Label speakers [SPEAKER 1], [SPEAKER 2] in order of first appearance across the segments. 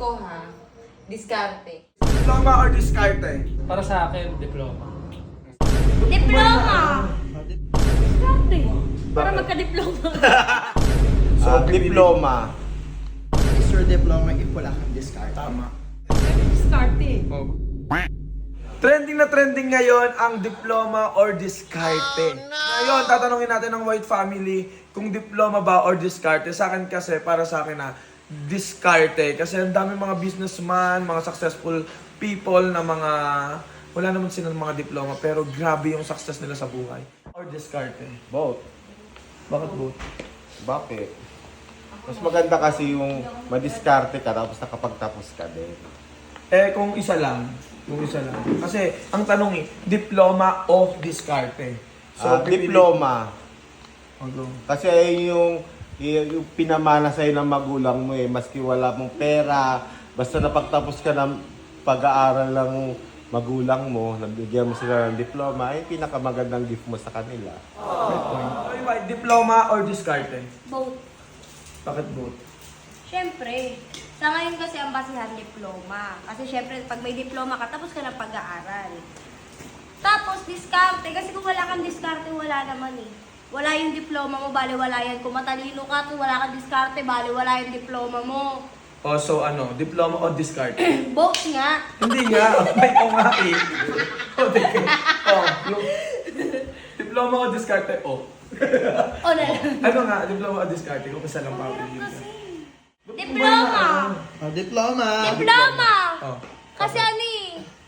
[SPEAKER 1] ko ha, diskarte.
[SPEAKER 2] Diploma or diskarte?
[SPEAKER 3] Para sa akin, diploma.
[SPEAKER 4] Diploma! Diskarte. Para
[SPEAKER 2] Bakit?
[SPEAKER 4] magka-diploma.
[SPEAKER 5] Diploma.
[SPEAKER 6] Is your diploma if wala kang discard?
[SPEAKER 2] Tama.
[SPEAKER 4] Diskarte.
[SPEAKER 2] Oh. Trending na trending ngayon ang diploma or diskarte. Ngayon, tatanungin natin ng White Family kung diploma ba or diskarte. Sa akin kasi, para sa akin na diskarte. Kasi ang dami mga businessman, mga successful people na mga... Wala naman silang mga diploma pero grabe yung success nila sa buhay. Or diskarte.
[SPEAKER 5] Both.
[SPEAKER 2] Bakit both?
[SPEAKER 5] Bakit? Mas maganda kasi yung madiskarte ka tapos nakapagtapos ka din.
[SPEAKER 2] Eh, kung isa lang. Kung isa lang. Kasi, ang tanong diploma o diskarte?
[SPEAKER 5] Diploma.
[SPEAKER 2] Ano?
[SPEAKER 5] Kasi yung pinamana sa'yo ng magulang mo maski wala mong pera, basta napagtapos ka ng pag-aaral ng magulang mo, nabigyan mo sila ng diploma, ay pinakamagandang gift mo sa kanila.
[SPEAKER 2] Okay, White, diploma or diskarte?
[SPEAKER 4] Both.
[SPEAKER 2] Bakit both?
[SPEAKER 4] Siyempre, sa ngayon kasi ang basihan diploma. Kasi siyempre, pag may diploma ka, tapos ka ng pag-aaral. Tapos, diskarte. Kasi kung wala kang diskarte, wala naman eh. Wala yung diploma mo, baliwala yan. Kung matalino ka, kung wala kang diskarte, baliwala yung diploma mo.
[SPEAKER 2] Oh, so ano, diploma o diskarte?
[SPEAKER 4] Both nga.
[SPEAKER 2] Hindi nga, may ko nga eh. Oh, yung diploma o diskarte, oh.
[SPEAKER 4] O na lang.
[SPEAKER 2] Ano nga, diploma o diskarte? Kung isa lang pa
[SPEAKER 4] Kasi, diploma.
[SPEAKER 6] Diploma!
[SPEAKER 4] Diploma!
[SPEAKER 2] Oh.
[SPEAKER 4] Kasi ano eh.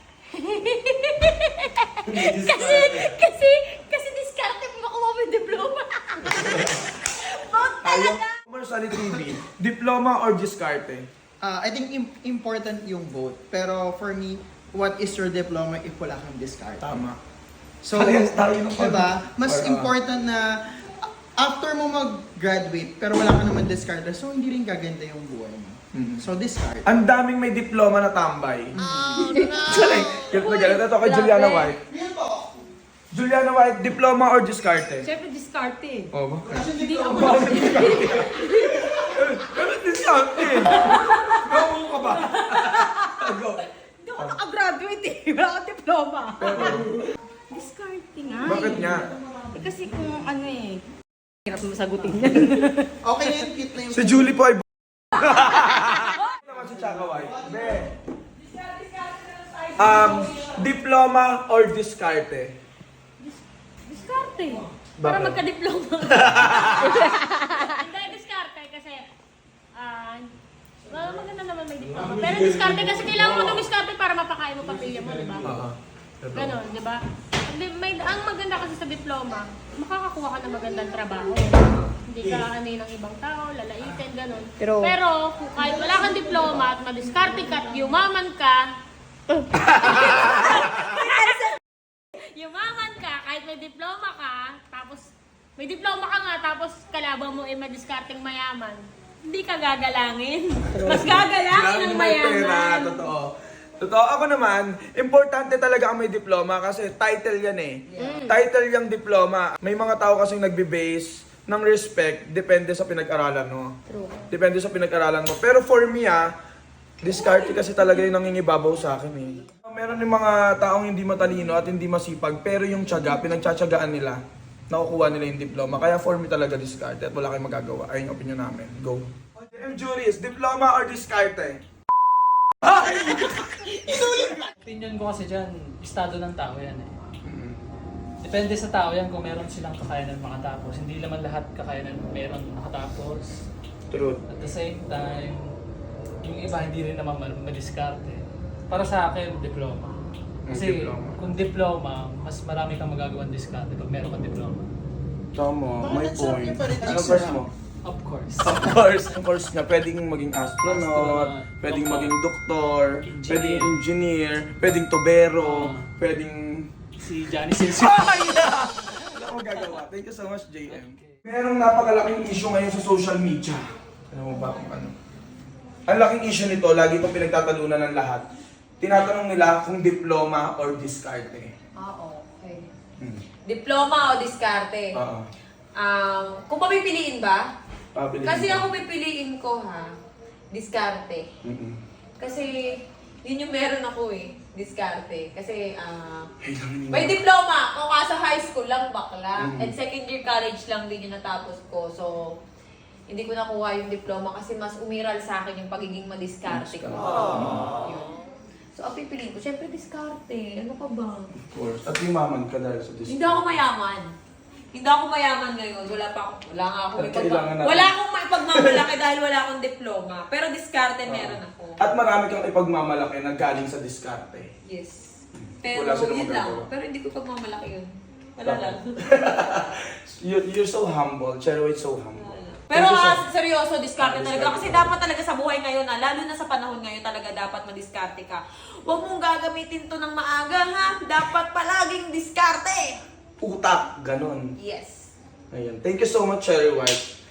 [SPEAKER 4] kasi diskarte mo makuha mo yung diploma. Both talaga.
[SPEAKER 2] Commercial TV, diploma or diskarte?
[SPEAKER 6] I think important yung both. Pero for me, what is your diploma if wala kang discard?
[SPEAKER 2] Tama.
[SPEAKER 6] So,
[SPEAKER 2] Parehas tayo ng
[SPEAKER 6] diba? Mas
[SPEAKER 2] Or,
[SPEAKER 6] important na after mo mag-graduate, pero wala ka naman discard, so hindi rin gaganda yung buhay mo. So, discard.
[SPEAKER 2] Ang daming may diploma na tambay. Oh, no! Galit na galit. Ito kay Juliana White. Juliana White, diploma or diskarte?
[SPEAKER 4] Siyempre diskarte.
[SPEAKER 2] Oh, bakit?
[SPEAKER 4] Hindi ako
[SPEAKER 2] Bakit diskarte? Gawin ka ba? Go.
[SPEAKER 4] Hindi ako nakagraduate eh. Wala akong diploma. Diskarte nga
[SPEAKER 2] Bakit
[SPEAKER 4] eh.
[SPEAKER 2] nga?
[SPEAKER 4] Kasi kung ano eh. Hirap mo sagutin yan.
[SPEAKER 6] Okay na yun, cute na yung...
[SPEAKER 2] Si Julie po ay naman si Chaka White. Be. Diploma or diskarte?
[SPEAKER 4] Diskarte. Para
[SPEAKER 2] Bakit?
[SPEAKER 4] magka-diploma. Hindi, diskarte kasi maganda naman may diploma. Pero diskarte kasi kailangan mo dumiskarte para mapakain mo pamilya mo, di ba?
[SPEAKER 2] Oo.
[SPEAKER 4] Ganon, di ba? Ang maganda kasi sa diploma, makakakuha ka ng magandang trabaho. Hindi ka anay ng ibang tao, lalaitin, ganon. Pero kung kahit wala kang diploma at madiskarte ka at yumaman ka, yumaman ka, kahit may diploma ka, tapos may diploma ka nga, tapos kalaban mo ay madiskarteng mayaman, hindi ka gagalangin. Mas gagalangin ang mayaman.
[SPEAKER 2] Totoo. Totoo. Ako naman, importante talaga ang may diploma kasi title yan eh. Title yung diploma. May mga tao kasing nagbe-base ng respect depende sa pinag-aralan mo.
[SPEAKER 4] True.
[SPEAKER 2] Depende sa pinag-aralan mo. Pero for me diskarte kasi talaga yung nangingibabaw sa akin eh. Meron yung mga taong hindi matalino at hindi masipag pero yung tiyaga, pinagtsatsagaan nila. Nakukuha nila yung diploma. Kaya for me talaga diskarte at wala kayong magagawa. Ayun yung opinion namin. Go. M. Juris, diploma or diskarte?
[SPEAKER 3] Opinion ko kasi dyan, estado ng tao yan eh. Depende sa tao yan kung meron silang kakayanan makatapos. Hindi naman lahat kakayanan meron makatapos.
[SPEAKER 2] True.
[SPEAKER 3] At the same time, yung iba hindi rin naman madiskarte. Para sa akin, diploma. Kasi
[SPEAKER 2] Diploma.
[SPEAKER 3] kung diploma, mas marami kang magagawang diskarte pag meron kang diploma.
[SPEAKER 2] Tama, may
[SPEAKER 6] Bakit sarap
[SPEAKER 2] point.
[SPEAKER 6] niya pa rin,
[SPEAKER 2] Ano
[SPEAKER 6] Jason?
[SPEAKER 2] course mo?
[SPEAKER 3] Of course.
[SPEAKER 2] Of course nga, pwedeng maging astronaut, pwedeng maging doktor, pwedeng engineer, pwedeng tubero, pwedeng...
[SPEAKER 3] Si Johnny Silsio.
[SPEAKER 2] Ay! Wala akong gagawa. Thank you so much, JM. Merong napakalaking issue ngayon sa social media. Alam mo ba kung ano? Ang laking issue nito, lagi itong pinagtatalunan ng lahat. Tinatanong nila kung diploma or diskarte.
[SPEAKER 1] Okay. Diploma o diskarte?
[SPEAKER 2] Oo.
[SPEAKER 1] Kung papipiliin ba?
[SPEAKER 2] Pabilis
[SPEAKER 1] Kasi
[SPEAKER 2] mo.
[SPEAKER 1] ako pipiliin ko ha, diskarte.
[SPEAKER 2] Mm-mm.
[SPEAKER 1] Kasi, yun yung meron ako eh. Diskarte. Kasi,
[SPEAKER 2] Ay, lang
[SPEAKER 1] may diploma. Kung kaso high school lang, bakla.
[SPEAKER 2] Mm.
[SPEAKER 1] And second year college lang din yung natapos ko. So, hindi ko nakuha yung diploma kasi mas umiral sa akin yung pagiging madiskarte ko. Yun. So, ang pipiliin ko, syempre diskarte. Ano ka ba?
[SPEAKER 2] Of course. At yumaman ka dahil sa
[SPEAKER 1] Hindi ako mayaman. Hindi ako mayaman ngayon. Wala nga ako
[SPEAKER 2] At kailangan natin-
[SPEAKER 1] wala akong maipagmamalaki dahil wala akong diploma. Pero diskarte meron ako.
[SPEAKER 2] At marami kang ipagmamalaki na galing sa diskarte.
[SPEAKER 1] Yes. Pero
[SPEAKER 2] Wala silang
[SPEAKER 1] yun lang.
[SPEAKER 2] magagawa.
[SPEAKER 1] Pero hindi ko pagmamalaki yun. Wala lang.
[SPEAKER 2] You're so humble. Cherry White so humble.
[SPEAKER 1] Pero
[SPEAKER 2] Thank you so-
[SPEAKER 1] seryoso, diskarte talaga. Kasi dapat talaga sa buhay ngayon lalo na sa panahon ngayon talaga dapat madiskarte ka. Huwag mong gagamitin to ng maaga ha. Dapat palaging diskarte.
[SPEAKER 2] Utak, ganon.
[SPEAKER 1] Yes.
[SPEAKER 2] Ayun. Thank you so much, Cherry White.